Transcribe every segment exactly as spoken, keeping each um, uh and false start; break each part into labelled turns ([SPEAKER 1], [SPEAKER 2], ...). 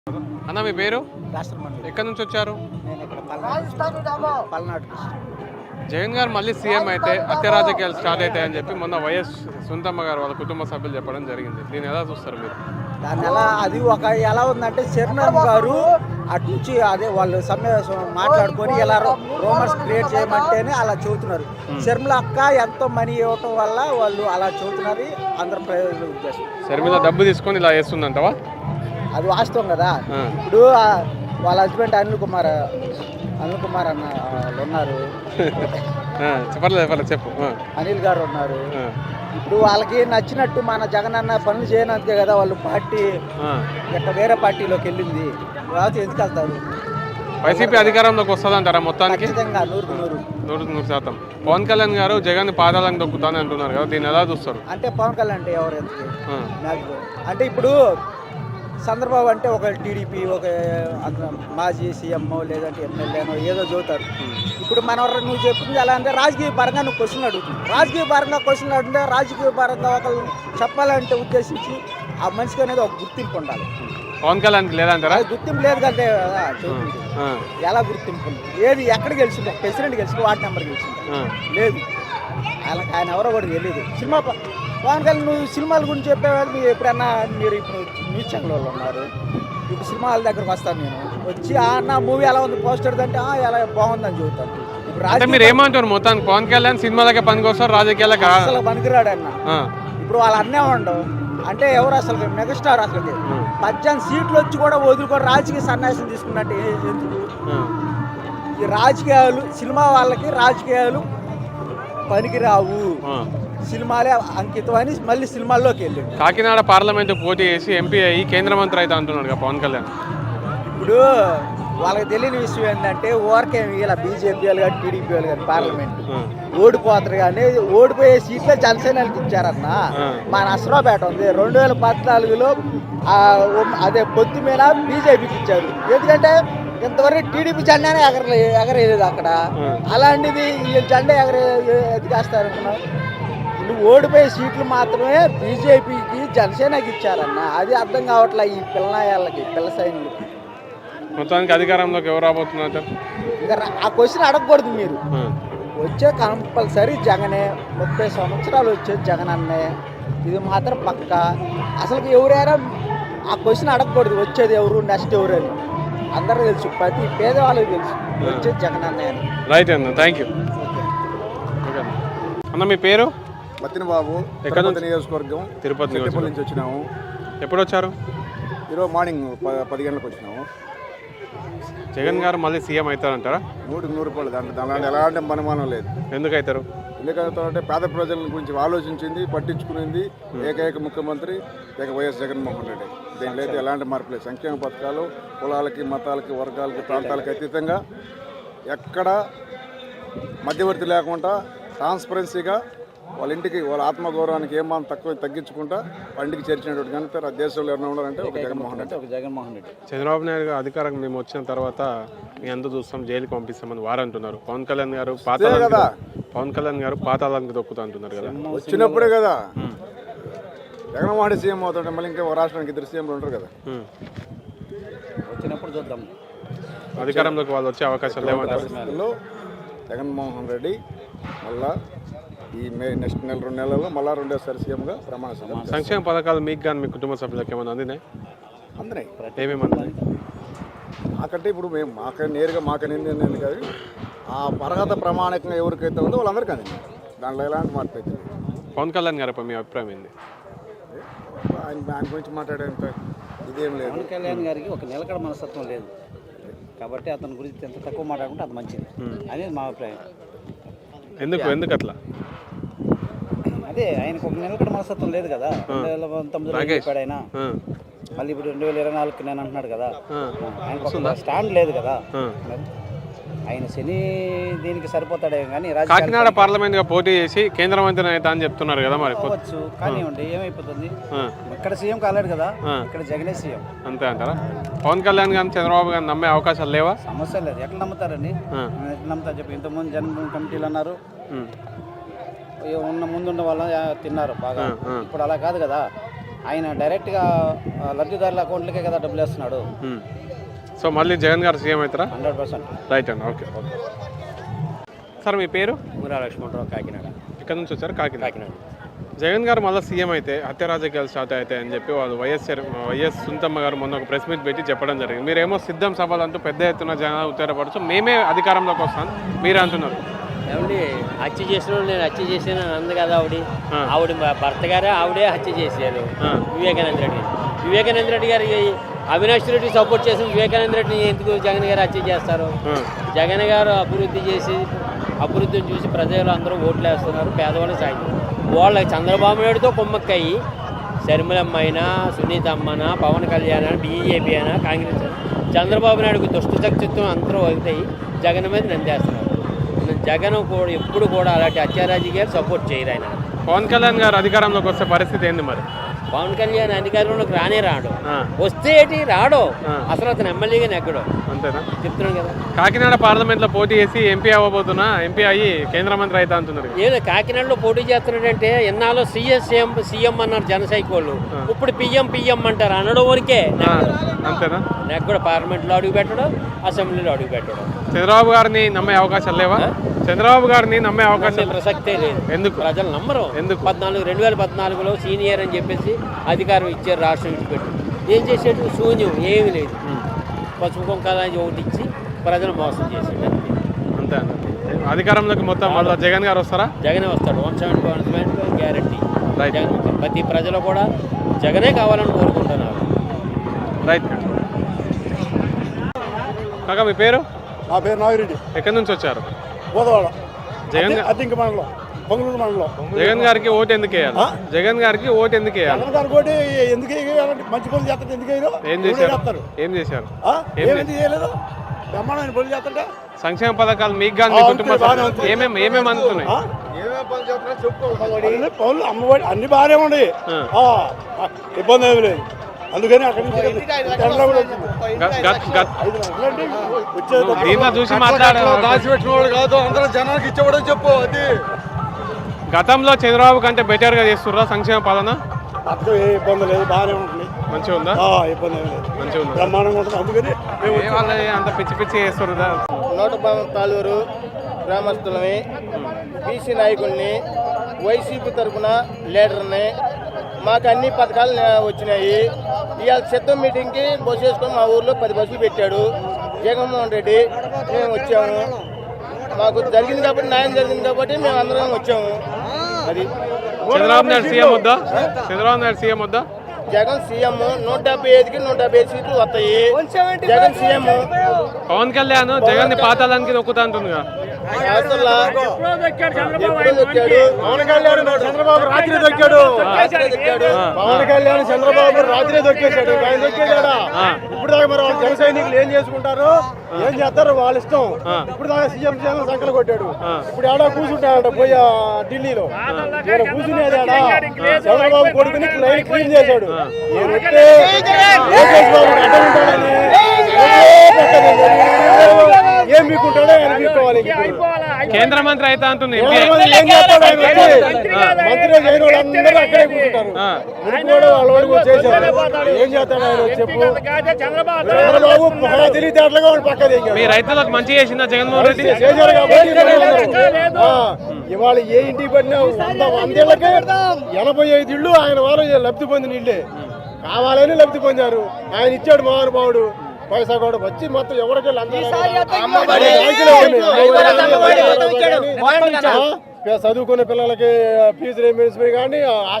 [SPEAKER 1] అన్న మీ పేరు? ఎక్కడి నుంచి వచ్చారు? జగన్ గారు మళ్ళీ సీఎం అయితే హత్య రాజకీయాలు స్టార్ట్ అవుతాయని చెప్పి మొన్న వైఎస్ సుందమ్మ గారు వాళ్ళ కుటుంబ సభ్యులు చెప్పడం జరిగింది. దీన్ని ఎలా చూస్తారు మీరు?
[SPEAKER 2] దాన్ని ఎలా అది ఒక ఎలా ఉందంటే శరణ్ గారు అటు నుంచి అదే వాళ్ళు సమావేశం మాట్లాడుకొని ఇలా రూమర్స్ క్రియేట్ చేయమంటేనే అలా చెబుతున్నారు. శర్మిల అక్క ఎంతో మనీ ఇవ్వటం వల్ల వాళ్ళు అలా చెబుతున్నారు. అందరు ప్రయోజన ఉద్దేశం
[SPEAKER 1] శర్మిల డబ్బు తీసుకొని ఇలా చేస్తుందంటవా?
[SPEAKER 2] అది వాస్తవం కదా. ఇప్పుడు వాళ్ళ హస్బెండ్ అనిల్ కుమార్ అనిల్ కుమార్ అన్న వాళ్ళు ఉన్నారు,
[SPEAKER 1] చెప్పలేదు చెప్పు
[SPEAKER 2] అనిల్ గారు ఉన్నారు. ఇప్పుడు వాళ్ళకి నచ్చినట్టు మన జగన్ అన్న పనులు చేయనందుకే కదా వాళ్ళు పార్టీ ఎక్కడ వేరే పార్టీలోకి వెళ్ళింది. రావచ్చు ఎందుకు వెళ్తారు?
[SPEAKER 1] వైసీపీ అధికారంలోకి వస్తుందంటారా మొత్తానికి?
[SPEAKER 2] నూరు నూరు
[SPEAKER 1] నూరు నూరు శాతం. పవన్ కళ్యాణ్ గారు జగన్ పాదాలను దొక్కుతాను అంటున్నారు కదా, దీన్ని ఎలా చూస్తారు?
[SPEAKER 2] అంటే పవన్ కళ్యాణ్ అంటే ఎవరు అంటే ఇప్పుడు చంద్రబాబు అంటే ఒక టీడీపీ ఒక మాజీ సీఎం లేదంటే ఎమ్మెల్యేనో ఏదో చదువుతారు. ఇప్పుడు మన నువ్వు చెప్తుంది ఎలా అంటే రాజకీయ పరంగా నువ్వు క్వశ్చన్ అడుగుతుంది. రాజకీయ పరంగా క్వశ్చన్ అడిగితే రాజకీయ పరంగా ఒకళ్ళు చెప్పాలంటే ఉద్దేశించి ఆ మనిషికి అనేది ఒక గుర్తింపు ఉండాలి.
[SPEAKER 1] పవన్ కళ్యాణ్ లేదంటారా?
[SPEAKER 2] గుర్తింపు లేదు కంటే ఎలా గుర్తింపు ఉంది? ఏది ఎక్కడ గెలిచింది? ప్రెసిడెంట్ గెలిచింది, వార్డు నెంబర్ గెలిచింది లేదు. ఆయన ఆయన ఎవరో కూడా తెలియదు. సినిమా పవన్ కళ్యాణ్ నువ్వు సినిమాల గురించి చెప్పేవాళ్ళు మీరు ఎప్పుడన్నా మీరు ఇప్పుడు న్యూస్ ఛానల్ వాళ్ళు ఉన్నారు. ఇప్పుడు సినిమాల దగ్గరకు వస్తాను నేను వచ్చి నా మూవీ ఎలా ఉంది పోస్టర్ అంటే ఎలా బాగుందని చెబుతాను.
[SPEAKER 1] ఇప్పుడు మీరు ఏమంటారు మొత్తానికి? పవన్ కళ్యాణ్ సినిమాలకే పనికొస్తారు, రాజకీయాలకు
[SPEAKER 2] అసలు పనికిరాడు అన్న. ఇప్పుడు వాళ్ళు అన్నే ఉండవు అంటే ఎవరు అసలు మెగాస్టార్ అసలు పద్దెనిమిది సీట్లు వచ్చి కూడా వదులుకొని రాజకీయ సన్యాసం తీసుకున్నట్టు ఎందుకు? ఈ రాజకీయాలు సినిమా వాళ్ళకి రాజకీయాలు పనికిరావు, సినిమాలే అంకితం అని మళ్ళీ సినిమాల్లోకి వెళ్ళి
[SPEAKER 1] కాకినాడ పార్లమెంట్ పోటీ చేసి ఎంపీ అయ్యి కేంద్ర మంత్రి అయితే అంటున్నాడు పవన్ కళ్యాణ్.
[SPEAKER 2] ఇప్పుడు వాళ్ళకి తెలియని విషయం ఏంటంటే ఓరకేమి ఇలా బీజేపీ వాళ్ళు కానీ టీడీపీ వాళ్ళు కానీ పార్లమెంట్ ఓడిపోతారు కానీ ఓడిపోయే సీట్లే జనసేనకి ఇచ్చారన్న. మా నసరాపేట ఉంది రెండు వేల పద్నాలుగులో అదే పొత్తు మీద బీజేపీకి ఇచ్చారు. ఎందుకంటే ఇంతవరకు టీడీపీ జెండానే ఎగరలే ఎగరేయలేదు అక్కడ. అలాంటిది ఈ జెండా ఎగరే ఎదిగేస్తారనుకున్నా. నువ్వు ఓడిపోయే సీట్లు మాత్రమే బీజేపీకి జనసేనకి ఇచ్చారన్న. అది అర్థం కావట్లే ఈ పిల్లనాయాలకి పిల్ల సైన్యులకి.
[SPEAKER 1] మొత్తానికి అధికారంలోకి ఎవరు రాబోతున్నారు?
[SPEAKER 2] ఇంకా ఆ క్వశ్చన్ అడగకూడదు మీరు. వచ్చే కంపల్సరీ జగనే. ముప్పై సంవత్సరాలు వచ్చేది జగన్ అన్నే, ఇది మాత్రం పక్క. అసలు ఎవరైనా ఆ క్వశ్చన్ అడగకూడదు వచ్చేది ఎవరు నెక్స్ట్ ఎవరు అని. అందరూ తెలుసు, ప్రతి పేదవాళ్ళకి తెలుసు వచ్చేది జగన్ అన్నయ్య అని.
[SPEAKER 1] రైట్ అన్న, థ్యాంక్ యూ అన్న. మీ పేరు?
[SPEAKER 3] మత్తిన బాబు. ఎక్కడ నుంచి? నియోజకవర్గం
[SPEAKER 1] తిరుపతి
[SPEAKER 3] నుంచి వచ్చినాము.
[SPEAKER 1] ఎప్పుడు వచ్చారు?
[SPEAKER 3] ఈరోజు మార్నింగ్ పది గంటలకు వచ్చినాము.
[SPEAKER 1] జగన్ గారు మళ్ళీ సీఎం అవుతారంటారా?
[SPEAKER 3] నూటికి నూరు రూపాయలు. దాంట్లో దాని ఎలాంటి అనుమానం లేదు.
[SPEAKER 1] ఎందుకు అవుతారు?
[SPEAKER 3] ఎందుకంటే పేద ప్రజల గురించి ఆలోచించింది, పట్టించుకునేది ఏకైక ముఖ్యమంత్రి ఏక వైఎస్ జగన్మోహన్ రెడ్డి. దీంట్లో అయితే ఎలాంటి మార్పు లేదు. సంక్షేమ పథకాలు కులాలకి మతాలకి వర్గాలకి ప్రాంతాలకి అతీతంగా ఎక్కడ మధ్యవర్తి లేకుండా ట్రాన్స్పరెన్సీగా వాళ్ళ ఇంటికి వాళ్ళ ఆత్మగౌరవానికి ఏమాత్రం తక్కువ తగ్గించుకుంటా ఇంటికి చేర్చినటువంటి కనుక దేశంలో ఎవరైనా ఉండాలంటే ఒక జగన్మోహన్ రెడ్డి ఒక జగన్మోహన్ రెడ్డి
[SPEAKER 1] చంద్రబాబు నాయుడు గారు అధికారం మేము వచ్చిన తర్వాత మీ అందరూ చూస్తాం జైలుకి పంపిస్తామని వారు అంటున్నారు. పవన్ కళ్యాణ్ గారు పాత కదా పవన్ కళ్యాణ్ గారు పాతాళానికి దొక్కుతా అంటున్నారు కదా.
[SPEAKER 3] వచ్చినప్పుడే కదా జగన్మోహన్ రెడ్డి సీఎం అవుతుంటే మళ్ళీ ఇంకా రాష్ట్రానికి ఇద్దరు సీఎంలు ఉంటారు కదా.
[SPEAKER 2] వచ్చినప్పుడు చూద్దాం.
[SPEAKER 1] అధికారంలోకి వాళ్ళు వచ్చే అవకాశాలు లేవంటారు.
[SPEAKER 3] జగన్మోహన్ రెడ్డి మళ్ళా ఈ మే నెక్స్ట్ నెల రెండు నెలల్లో మళ్ళా రెండోసారి సీఎంగా ప్రమాణ స్వీకారం.
[SPEAKER 1] సంక్షేమ పథకాలు మీకు కానీ మీ కుటుంబ సభ్యులకు ఏమైనా అందినాయి?
[SPEAKER 3] అందినాయి.
[SPEAKER 1] ఏమేమి అందినాయి?
[SPEAKER 3] మాకంటే ఇప్పుడు మేము మాక నేరుగా మాకనేది కాదు, ఆ అర్హత ప్రమాణికంగా ఎవరికైతే ఉందో వాళ్ళందరికీ అందింది. దాంట్లో ఎలాంటి మార్పు అయితే.
[SPEAKER 1] పవన్ కళ్యాణ్ గారిపై మీ అభిప్రాయం ఏంది?
[SPEAKER 3] ఆయన ఆయన గురించి మాట్లాడేంత ఇదేం లేదు.
[SPEAKER 2] పవన్ కళ్యాణ్ గారికి ఒక నిలకడ మనస్తత్వం లేదు కాబట్టి అతని గురించి ఎంత తక్కువ మాట్లాడుకుంటే అంత మంచిది అనేది మా అభిప్రాయం.
[SPEAKER 1] ఎందుకు ఎందుకు అట్లా?
[SPEAKER 2] అదే ఆయనకు ఒక నిలకడ మనస్తత్వం లేదు కదా. రెండు వేల పంతొమ్మిదిలో చెప్పాడు ఆయన, మళ్ళీ ఇప్పుడు రెండు వేల ఇరవై నాలుగుకి నేను అంటున్నాడు కదా. ఆయనకు స్టాండ్ లేదు కదా. ఆయన శని దీనికి సరిపోతాడే కానీ
[SPEAKER 1] కాకినాడ పార్లమెంట్ గా పోటీ చేసి కేంద్ర మంత్రి అయితే అని చెప్తున్నారు కదా. మరి
[SPEAKER 2] పోవచ్చు కానివ్వండి, ఏమైపోతుంది? ఇక్కడ సీఎం కాలేడు కదా, ఇక్కడ జగనే సీఎం.
[SPEAKER 1] అంతే అంటారా? పవన్ కళ్యాణ్ గారిని చంద్రబాబు గారిని నమ్మే అవకాశాలు లేవా?
[SPEAKER 2] సమస్య లేదు. ఎట్లా నమ్ముతారండి? ఎట్లా నమ్ముతారు చెప్పి? ఇంతకుముందు జన కమిటీలు అన్నారు, ఉన్న ముందున్న వాళ్ళ తిన్నారు బాగా. ఇప్పుడు అలా కాదు కదా. ఆయన డైరెక్ట్గా లబ్ధిదారుల అకౌంట్లకే కదా డబ్బులు వేస్తున్నాడు.
[SPEAKER 1] సో మళ్ళీ జగన్ గారు సీఎం అవుతారా?
[SPEAKER 2] హండ్రెడ్ పర్సెంట్
[SPEAKER 1] రైట్ అండి. ఓకే ఓకే సార్ మీ పేరు?
[SPEAKER 2] మురా లక్ష్మణరావు, కాకినాడ.
[SPEAKER 1] ఇక్కడ నుంచి వచ్చారు? కాకినాడ.
[SPEAKER 2] కాకినాడ.
[SPEAKER 1] జగన్ గారు మళ్ళీ సీఎం అయితే హత్య రాజకీయాలు స్టార్ట్ అవుతాయి అని చెప్పి వాళ్ళు వైఎస్ వైఎస్ సుంతమ్మ గారు మొన్న ఒక ప్రెస్ మీట్ పెట్టి చెప్పడం జరిగింది. మీరేమో సిద్ధం సభలు అంటూ పెద్ద ఎత్తున జనాలు ఉత్తరపడచ్చు, మేమే అధికారంలోకి వస్తాను మీరే అంటున్నారు.
[SPEAKER 4] ఏమండి హత్య చేసిన నేను హత్య చేసాను అంది కదా ఆవిడ ఆవిడ భర్త గారే ఆవిడే హత్య చేశారు వివేకానంద రెడ్డి. వివేకానంద రెడ్డి గారి అవినాష్ రెడ్డి సపోర్ట్ చేసిన వివేకానంద రెడ్డిని ఎందుకు జగన్ గారు హత్య చేస్తారు? జగన్ గారు అభివృద్ధి చేసి అభివృద్ధిని చూసి ప్రజలు అందరూ ఓట్లు వేస్తున్నారు, పేదవాళ్ళు సాయం. వాళ్ళ చంద్రబాబు నాయుడుతో కుమ్మక్కయ్యి శర్మిలమ్మ అయినా సునీత అమ్మనా పవన్ కళ్యాణ్ అయినా బీజేపీ అయినా కాంగ్రెస్ చంద్రబాబు నాయుడుకు దుష్టశక్తిత్వం అందరూ వదిలితాయి జగన్ మీద నందేస్తున్నారు. జగన్ కూడా ఎప్పుడు కూడా అలాంటి హత్యారాజకీయాలు సపోర్ట్ చేయరు. ఆయన
[SPEAKER 1] పవన్ కళ్యాణ్ గారు అధికారంలోకి వస్తే పరిస్థితి ఏంది మరి?
[SPEAKER 4] పవన్ కళ్యాణ్ అధికారంలోకి రానే రాడు, వస్తే ఏంటి రాడు, అసలు అతను ఎమ్మెల్యేగా నెగ్గడు.
[SPEAKER 1] అంతేనా?
[SPEAKER 4] చెప్తున్నాను కదా.
[SPEAKER 1] కాకినాడ పార్లమెంట్ లో పోటీ చేసి ఎంపీ అవ్వబోతున్నా, ఎంపీ అయ్యి కేంద్ర మంత్రి అవుతా అంటున్నారు.
[SPEAKER 4] ఏదో కాకినాడలో పోటీ చేస్తున్నాడంటే ఎన్నాళ్ళు సీఎస్ సీఎం సీఎం అన్నారు జనసైకోళ్ళు, ఇప్పుడు పిఎం పిఎం అంటారు. అనడం వరకే
[SPEAKER 1] అంతేనా?
[SPEAKER 4] నాకు కూడా పార్లమెంట్ లో అడుగు పెట్టడం, అసెంబ్లీలో అడుగు పెట్టడం.
[SPEAKER 1] చంద్రబాబు గారిని నమ్మే అవకాశాలు లేవా? చంద్రబాబు గారిని నమ్మే అవకాశం
[SPEAKER 4] ప్రసక్తే లేదు.
[SPEAKER 1] ఎందుకు?
[SPEAKER 4] ప్రజలు నమ్మరు. ఎందుకు? పద్నాలుగు రెండు వేల పద్నాలుగులో సీనియర్ అని చెప్పేసి అధికారం ఇచ్చారు, రాష్ట్రం విడిచిపెట్టి. ఏం చేసేట్టు? శూన్యం, ఏమీ లేదు. పసుపు కుంకాలని ఒకటి ఇచ్చి ప్రజలు మోసం చేసాడు.
[SPEAKER 1] అంతే అండి. అధికారంలోకి మొత్తం మళ్ళీ జగన్ గారు వస్తారా?
[SPEAKER 4] జగనే వస్తాడు. One seventy one seventy guarantee Jagan. ప్రతి ప్రజలు కూడా జగనే కావాలని కోరుకుంటున్నారు.
[SPEAKER 1] రైట్ కాకా మీ పేరు?
[SPEAKER 5] నా పేరు నాగిరెడ్డి.
[SPEAKER 1] ఎక్కడి నుంచి వచ్చారు?
[SPEAKER 5] గోదవాడ.
[SPEAKER 1] జగన్
[SPEAKER 5] అద్దెంకి మండలం, పొంగలూరు మండలం.
[SPEAKER 1] జగన్ గారికి ఓటు ఎందుకు వేయాలి? జగన్ గారికి ఓటు ఎందుకు వేయాలి?
[SPEAKER 5] జగన్ గారికి ఓటు ఎందుకు వేయాలంటే మంచి పనులు చేస్తారు. ఎందుకు వేయరు?
[SPEAKER 1] ఏం చేశారు? ఏం చేశారు?
[SPEAKER 5] ఏమేమి చేయలేదు? బ్రహ్మాండమైన పనులు చేస్తాంట.
[SPEAKER 1] సంక్షేమ పథకాలు మీకు కానీ మీ కుటుంబం ఏమేమి ఏమేమి అందుతున్నాయి?
[SPEAKER 5] పనులు అమ్మఒడి అన్ని బాగానే ఉన్నాయి, ఇబ్బంది ఏమి లేదు. అందుకని అక్కడి నుంచి
[SPEAKER 1] దీంట్లో చూసి మాట్లాడారు.
[SPEAKER 5] దాచిపెట్టిన వాడు కాదు, అందరూ జనానికి ఇచ్చేవాడని చెప్పు. అది
[SPEAKER 1] గతంలో చంద్రబాబు కంటే బెటర్ గా చేస్తుర్రా సంక్షేమ పాలన?
[SPEAKER 5] అక్కడ ఏ ఇబ్బంది లేదు, బాగానే ఉంటుంది.
[SPEAKER 1] మంచిగా ఉందా?
[SPEAKER 5] ఇబ్బంది ఏమి లేదు,
[SPEAKER 1] మంచిగా ఉంది,
[SPEAKER 5] బ్రహ్మాండంగా ఉంటుంది. అందుకని
[SPEAKER 1] అంత పిచ్చి పిచ్చి చేస్తుర్రా.
[SPEAKER 6] నోట తాలూరు గ్రామస్తులని, బీసీ నాయకుల్ని, వైసీపీ తరఫున లీడర్ని, మాకు అన్ని పథకాలు వచ్చినాయి. ఇవాళ సిద్ధం మీటింగ్కి బస్సు వేసుకొని మా ఊర్లో పది బస్సులు పెట్టాడు జగన్మోహన్ రెడ్డి. మేము వచ్చాము, మాకు జరిగింది కాబట్టి, న్యాయం జరిగింది కాబట్టి మేము అందరం వచ్చాము. అది
[SPEAKER 1] చంద్రబాబు నాయుడు సీఎం వద్దా? చంద్రబాబు నాయుడు సీఎం వద్దా?
[SPEAKER 6] జగన్ సీఎం. నూట డెబ్బై ఐదుకి నూట డెబ్బై ఐదు సీట్లు వస్తాయి. జగన్ సీఎం.
[SPEAKER 1] పవన్ కళ్యాణ్ జగన్ ని పాతాళానికి నొక్కుతా అంటుందిగా.
[SPEAKER 5] పవన్ కళ్యాణ్ చంద్రబాబు రాత్రి దొక్కాడు. పవన్ కళ్యాణ్ చంద్రబాబు రాత్రి దొక్కేశాడు. ఆయన దొక్కేశాడా? ఇప్పుడు దాకా మరి జన సైనికులు ఏం చేసుకుంటారు, ఏం చేస్తారు వాళ్ళ ఇష్టం. ఇప్పుడు దాకా సీఎం జగన్ సంకలు కొట్టాడు. ఇప్పుడు ఏడా కూర్చుంటాడ పోయి ఢిల్లీలో. ఇక్కడ కూర్చునేది ఆడా చంద్రబాబు కొడుకుని లైన్ క్లీన్ చేశాడు. నేనైతే లోకేష్ బాబు అడ్డం ఉంటాడని ఏం మీకుంటాడో ఆయన మీకోవాలి.
[SPEAKER 1] కేంద్ర మంత్రి అయితే అంటుంది.
[SPEAKER 5] ఏం చేస్తాడు ఆయన? మంత్రి అయిన వాళ్ళందరూ అక్కడే కూర్చుంటారు. కూడా వాళ్ళ వరకు చేశారు. ఏం చేస్తాడు ఆయన చెప్పు? చంద్రబాబు తెలివితేటలుగా వాళ్ళు పక్కదే.
[SPEAKER 1] మీ రైతులకు మంచి చేసిందా జగన్మోహన్ రెడ్డి?
[SPEAKER 5] చేశారు కాబట్టి ఇవాళ ఏ ఇంటికి పడినా వంద వందేళ్లకే ఎనభై ఐదు ఇళ్ళు ఆయన వారు లబ్ధి పొందిన ఇళ్ళే. కావాలని లబ్ధి పొందారు. ఆయన ఇచ్చాడు మహానుభావుడు. పైసా కూడా వచ్చి మొత్తం ఎవరికి చదువుకునే పిల్లలకి ఫీజు రీయింబర్స్మెంట్ కానీ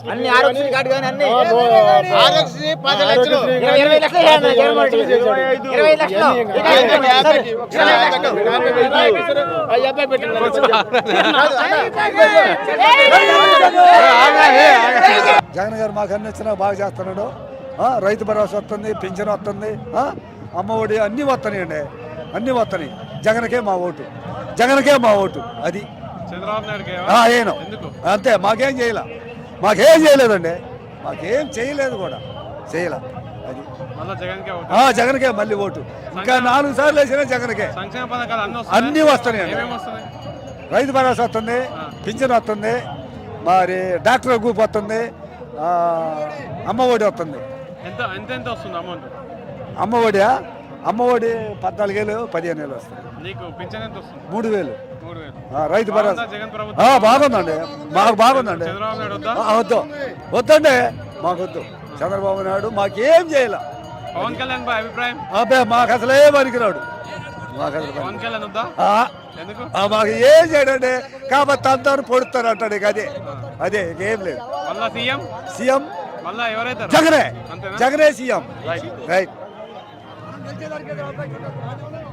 [SPEAKER 7] జగన్ గారు మాకు అన్ని వచ్చినా బాగా చేస్తున్నాడు. రైతు భరోసా వస్తుంది, పింఛన్ వస్తుంది, అమ్మఒడి అన్నీ వస్తున్నాయండి, అన్నీ వస్తున్నాయి. జగన్కే మా ఓటు, జగన్కే మా ఓటు. అది ఏను అంతే. మాకేం చేయలే, మాకేం చేయలేదండి, మాకేం చేయలేదు కూడా, చేయలే. అది జగన్కే మళ్ళీ ఓటు. ఇంకా నాలుగు సార్లు వేసినా జగన్కే. అన్నీ వస్తున్నాయండి. రైతు భరోసా వస్తుంది, పింఛన్ వస్తుంది, మరి డాక్టర్ గ్రూప్ వస్తుంది, ఆ, అమ్మ ఒడి వస్తుంది.
[SPEAKER 1] ఎంత ఎంత ఎంత వస్తుంది అమౌంట్?
[SPEAKER 7] అమ్మ ఒడియా అమ్మ ఒడి పద్నాలుగు వేలు పదిహేను వేలు వస్తుంది.
[SPEAKER 1] నీకు పింఛన్ ఎంత వస్తుంది?
[SPEAKER 7] మూడు వేలు
[SPEAKER 1] మూడు వేలు.
[SPEAKER 7] ఆ, రైతు భరోసా
[SPEAKER 1] బాగుందా జగన్
[SPEAKER 7] ఆ,
[SPEAKER 1] ప్రభుత్వం?
[SPEAKER 7] బాగుందండి, మాకు బాగుందండి.
[SPEAKER 1] చంద్రబాబు నాయుడు వద్దా?
[SPEAKER 7] ఆ, వద్దు వద్దండి, మాకు వద్దు. చంద్రబాబు నాయుడు మాకేం చేయాల.
[SPEAKER 1] పవన్ కళ్యాణ్ పై అభిప్రాయం?
[SPEAKER 7] అబ్బే మాకు అసలే పనికిరాడు, మాకు అసలు పని-
[SPEAKER 1] పవన్ కళ్యాణ్ వద్దా?
[SPEAKER 7] ఆ,
[SPEAKER 1] ఎందుకు?
[SPEAKER 7] ఆ, మాకు ఏం చేయడండి, కాబట్టి అందరూ పొడుస్తారు అంటాడు. ఇక అదే అదే ఏం లేదు.
[SPEAKER 1] మళ్ళా సీఎం?
[SPEAKER 7] సీఎం
[SPEAKER 1] మళ్ళా ఎవరైతారు?
[SPEAKER 7] జగనే,
[SPEAKER 1] అంతేనా?
[SPEAKER 7] జగనే సీఎం.
[SPEAKER 1] రైట్.
[SPEAKER 7] రైట్.